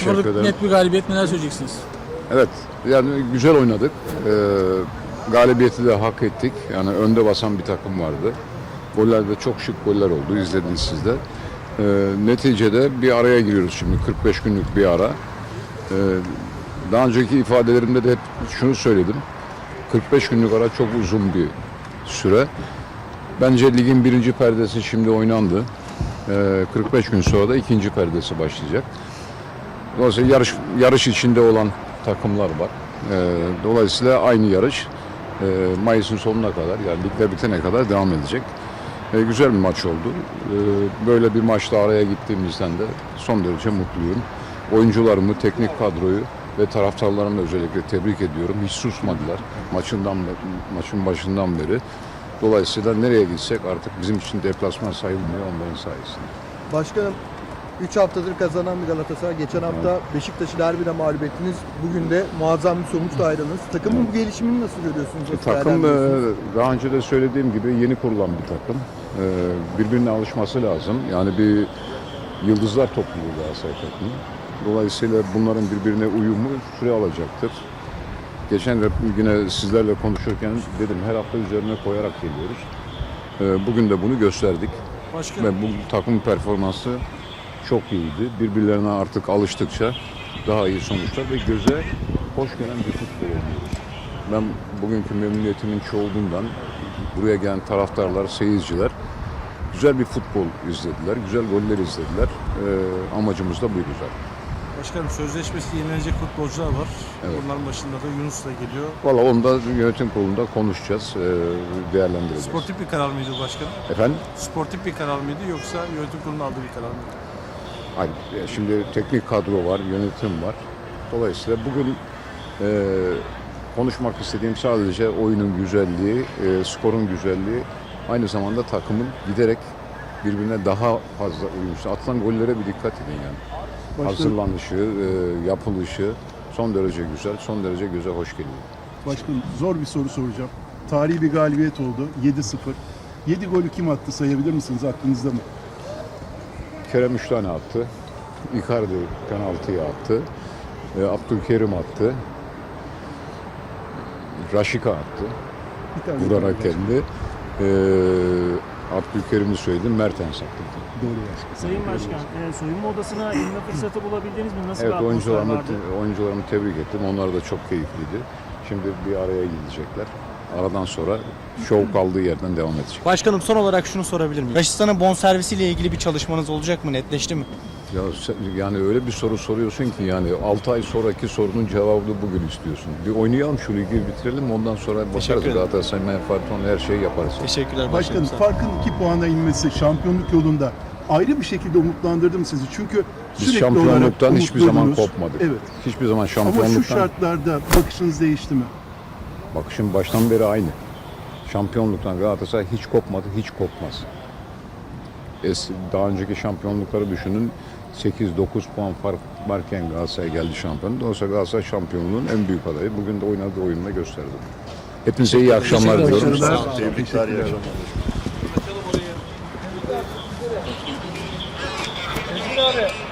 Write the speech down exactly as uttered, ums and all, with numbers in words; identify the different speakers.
Speaker 1: sıfırlık
Speaker 2: ederim.
Speaker 1: net bir galibiyet, neler söyleyeceksiniz?
Speaker 2: Evet, yani güzel oynadık. Ee, galibiyeti de hak ettik. Yani önde basan bir takım vardı. Goller de çok şık goller oldu. İzlediniz siz de. Ee, neticede bir araya giriyoruz şimdi. kırk beş günlük bir ara. Ee, daha önceki ifadelerimde de hep şunu söyledim. kırk beş günlük ara çok uzun bir süre. Bence ligin birinci perdesi şimdi oynandı. Ee, kırk beş gün sonra da ikinci perdesi başlayacak. Dolayısıyla yarış, yarış içinde olan takımlar var. Ee, dolayısıyla aynı yarış e, Mayıs'ın sonuna kadar, yani ligler bitene kadar devam edecek. E, güzel bir maç oldu. E, böyle bir maçta araya gittiğimizden de son derece mutluyum. Oyuncularımı, teknik kadroyu ve taraftarlarımı özellikle tebrik ediyorum. Hiç susmadılar maçından maçın başından beri. Dolayısıyla nereye gitsek artık bizim için deplasman sayılmıyor onların sayesinde.
Speaker 3: Başkanım, üç haftadır kazanan bir Galatasaray. Geçen hafta evet. Beşiktaş'ı derbide mağlup ettiniz. Bugün de muazzam bir sonuçla ayrıldınız. Takımın evet. bu gelişimini nasıl görüyorsunuz? Nasıl
Speaker 2: takım daha önce de söylediğim gibi yeni kurulan bir takım. Birbirine alışması lazım. Yani bir yıldızlar topluluğu Galatasaray takımı. Dolayısıyla bunların birbirine uyumu süre alacaktır. Geçen de yine sizlerle konuşurken dedim her hafta üzerine koyarak geliyoruz. Bugün de bunu gösterdik. Başkanım. Ve bu takım performansı çok iyiydi. Birbirlerine artık alıştıkça daha iyi sonuçlar ve göze hoş gelen bir futbol oynuyoruz. Ben bugünkü memnuniyetimin çoğunluğundan buraya gelen taraftarlar, seyirciler güzel bir futbol izlediler, güzel goller izlediler. Ee, amacımız da buydu zaten.
Speaker 4: Başkanım, sözleşmesi yenilenecek futbolcular var. Evet. Bunların başında da Yunus da geliyor.
Speaker 2: Valla onu da yönetim kurulunda konuşacağız, değerlendireceğiz.
Speaker 4: Sportif bir karar mıydı başkanım?
Speaker 2: Efendim?
Speaker 4: Sportif bir karar mıydı yoksa yönetim kurulunun aldığı bir karar mıydı?
Speaker 2: Hayır, şimdi teknik kadro var, yönetim var. Dolayısıyla bugün e, konuşmak istediğim sadece oyunun güzelliği, e, skorun güzelliği, aynı zamanda takımın giderek birbirine daha fazla uyumlu. Atılan gollere bir dikkat edin yani. Başka... Hazırlanışı, e, yapılışı son derece güzel, son derece göze hoş geliyor.
Speaker 5: Başkanım, zor bir soru soracağım. Tarihi bir galibiyet oldu, yedi sıfır. yedi golü kim attı, sayabilir misiniz, aklınızda mı?
Speaker 2: Kerem üç tane attı. Icardi penaltıyı attı. E, Abdülkerim attı. Raşika attı. Vurarak kendi. E, Abdülkerim'i söyledim. Mertens attı.
Speaker 5: Doğru başkan.
Speaker 6: Sayın Başkan, e, soyunma odasına inme fırsatı bulabildiniz mi? Nasıl
Speaker 2: evet,
Speaker 6: bir atmosfer
Speaker 2: oyuncularımı,
Speaker 6: vardı?
Speaker 2: oyuncularımı tebrik ettim. Onlar da çok keyifliydi. Şimdi bir araya gidecekler. Aradan sonra şov kaldığı yerden devam edecek.
Speaker 7: Başkanım, son olarak şunu sorabilir miyim? Raşistan'ın bonservisiyle ilgili bir çalışmanız olacak mı? Netleşti mi?
Speaker 2: Ya sen, yani öyle bir soru soruyorsun ki yani altı ay sonraki sorunun cevabını bugün istiyorsun. Bir oynayalım, şu ligi bitirelim, ondan sonra bakarız. Galatasaray menfaati olan her şeyi yaparız.
Speaker 7: Teşekkürler
Speaker 5: başkanım.
Speaker 7: başkanım.
Speaker 5: Farkın iki puana inmesi şampiyonluk yolunda ayrı bir şekilde umutlandırdı mı sizi? Çünkü
Speaker 2: biz
Speaker 5: sürekli
Speaker 2: şampiyonluktan hiçbir zaman kopmadık.
Speaker 5: Evet.
Speaker 2: Hiçbir zaman şampiyonluktan.
Speaker 5: Ama şu şartlarda bakışınız değişti mi?
Speaker 2: Bakışım baştan beri aynı. Şampiyonluktan Galatasaray hiç kopmadı, hiç kopmaz. Es, daha önceki şampiyonlukları düşünün. sekiz dokuz puan fark varken Galatasaray geldi şampiyon. Dolayısıyla Galatasaray şampiyonluğun en büyük adayı. Bugün de oynadığı oyunla gösterdi. Hepinize iyi akşamlar diliyorum.
Speaker 5: Teşekkürler.
Speaker 1: Teşekkürler.